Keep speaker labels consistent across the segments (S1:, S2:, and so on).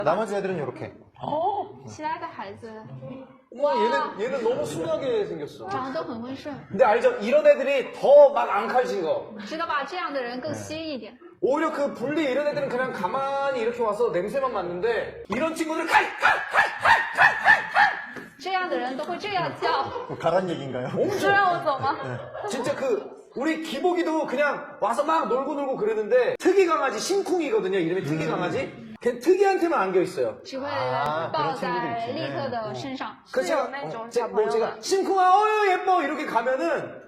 S1: 나머지 애들은 이렇게.
S2: 其他的孩子
S3: 와 얘는 너무 순하게 생겼어.
S2: 长得都很温顺，
S3: 근데 알죠? 이런 애들이 더 막 앙칼진 거.
S2: 知道吧？这样的人更稀一点。
S3: 오히려 그 분리 이런 애들은 그냥 가만히 이렇게 와서 냄새만 맡는데 이런 친구들은 칼!
S2: 这样的人都会这样叫。
S1: 뭐 가란 얘기인가요?
S2: 是让我走吗？
S3: 진짜 그 우리 기복이도 그냥 와서 막 놀고 그러는데 특이 강아지 심쿵이거든요. 이름이 특이 강아지. 걔 특이한테만 안겨 있어요.
S2: 只会
S1: 아
S2: 抱
S1: 그런
S2: 在
S1: 친구들
S2: 利
S1: 있지.
S2: 特的身上。
S3: 그래서 제가,
S4: 네, 좀
S3: 제가,
S4: 잡아요.
S3: 제가 심쿵아 어유 예뻐 이렇게 가면은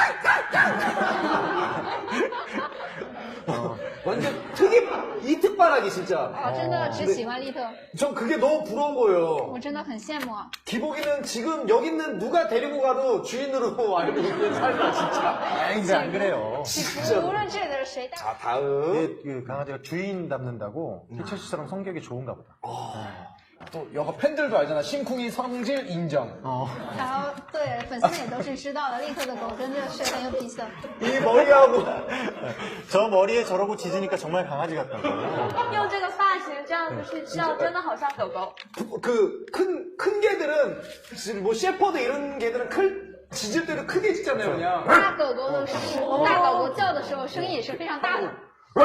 S3: 완전 이특바라기 진짜.
S2: 哦，真的只喜欢利特，
S3: 전 그게 너무 부러운 거예요.
S2: 我真的很羡慕啊！
S3: 기복이는 지금 여기 있는 누가 데리고 가도 주인으로 알고 있는 삶이야 진짜.
S1: 근데 안 그래요.
S2: 无论这里的人谁带，
S3: 자 다음.
S1: 얘 그 강아지가 주인 닮는다고 희철 씨처럼 성격이 좋은가 보다.
S3: 또 여가 팬들도 알잖아. 심쿵이 성질 인정.
S2: 然后对粉丝们也都是知道的，利特的狗真的是很有脾气的。
S3: 이 머리하고
S1: 저 머리에 저러고 짖으니까 정말 강아지 같다고.
S4: 用这个发型这样子去叫，真的好像狗狗。
S3: 그 큰 개들은 지금 뭐 셰퍼드 이런 개들은 짖을 때도 크게 짖잖아요 그냥.
S2: 大狗狗的大狗狗叫的时候声音也是非常大的。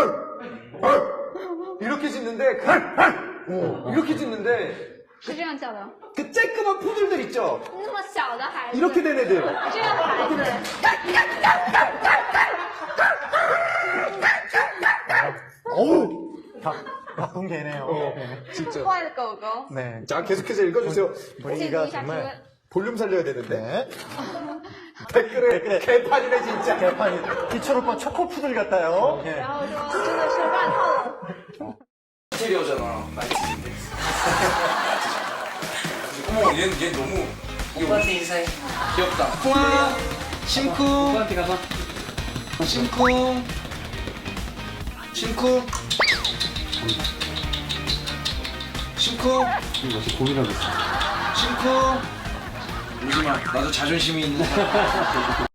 S3: 이렇게 짖는데 이렇게 짖는데
S2: 是这样叫的。
S3: 그 쬐끄만 푸들들 있죠.
S2: 那么小的孩子，
S3: 이렇게 된 애들.
S2: 这样的孩子，
S3: 어우.
S1: 바쁜 개네요. 네.
S3: 진짜.
S4: 坏的狗狗。
S1: 네.
S3: 자 계속해서 읽어주세요.
S2: 解读
S1: 분위기가
S2: 一下提
S1: 정말
S2: 问。
S3: 볼륨 살려야 되는데.
S1: 네.
S3: 댓글에 개판이네 진짜.
S1: 개판이 희철 오빠 초코푸들 같아요. 예.
S2: 然后说真的是乱套了。
S5: 인테리어잖아. 나이트인데. 어머, 얘 너무. 오빠한테 인사해. 귀엽다. 쿵아, 심쿵. 오빠한테 가서. 심쿵. 심쿵. 심쿵.
S1: 이거 어떻게 고민하고 있어.
S5: 심쿵. 울지마. 나도 자존심이 있는 사람.